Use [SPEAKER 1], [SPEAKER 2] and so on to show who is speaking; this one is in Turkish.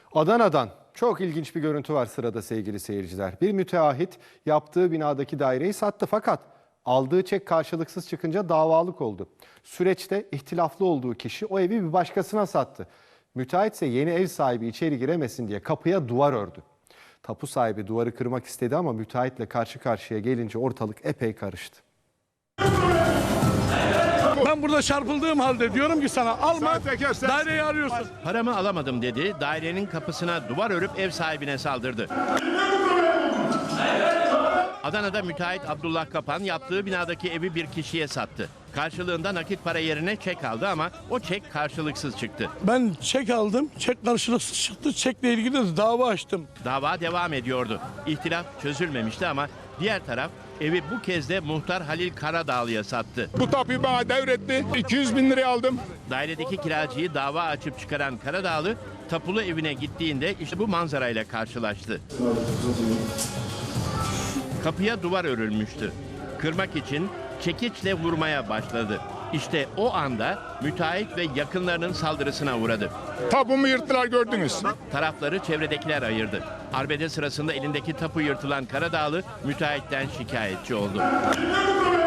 [SPEAKER 1] Adana'dan çok ilginç bir görüntü var sırada sevgili seyirciler. Bir müteahhit yaptığı binadaki daireyi sattı fakat aldığı çek karşılıksız çıkınca davalık oldu. Süreçte ihtilaflı olduğu kişi o evi bir başkasına sattı. Müteahhit ise yeni ev sahibi içeri giremesin diye kapıya duvar ördü. Tapu sahibi duvarı kırmak istedi ama müteahhitle karşı karşıya gelince ortalık epey karıştı.
[SPEAKER 2] Ben burada çarpıldığım halde diyorum ki sana alma, daireyi arıyorsun.
[SPEAKER 3] Paramı alamadım dedi, dairenin kapısına duvar örüp ev sahibine saldırdı. Adana'da müteahhit Abdullah Kapan yaptığı binadaki evi bir kişiye sattı. Karşılığında nakit para yerine çek aldı ama o çek karşılıksız çıktı.
[SPEAKER 2] Ben çek aldım, çek karşılıksız çıktı, çekle ilgili de dava açtım.
[SPEAKER 3] Dava devam ediyordu. İhtilaf çözülmemişti ama diğer taraf evi bu kez de muhtar Halil Karadağlı'ya sattı.
[SPEAKER 4] Bu tapuyu bana devretti. 200 bin liraya aldım.
[SPEAKER 3] Dairedeki kiracıyı dava açıp çıkaran Karadağlı tapulu evine gittiğinde işte bu manzarayla karşılaştı. Kapıya duvar örülmüştü. Kırmak için çekiçle vurmaya başladı. İşte o anda müteahhit ve yakınlarının saldırısına uğradı.
[SPEAKER 4] Tapumu yırttılar, gördünüz.
[SPEAKER 3] Tarafları çevredekiler ayırdı. Arbede sırasında elindeki tapu yırtılan Karadağlı müteahhitten şikayetçi oldu.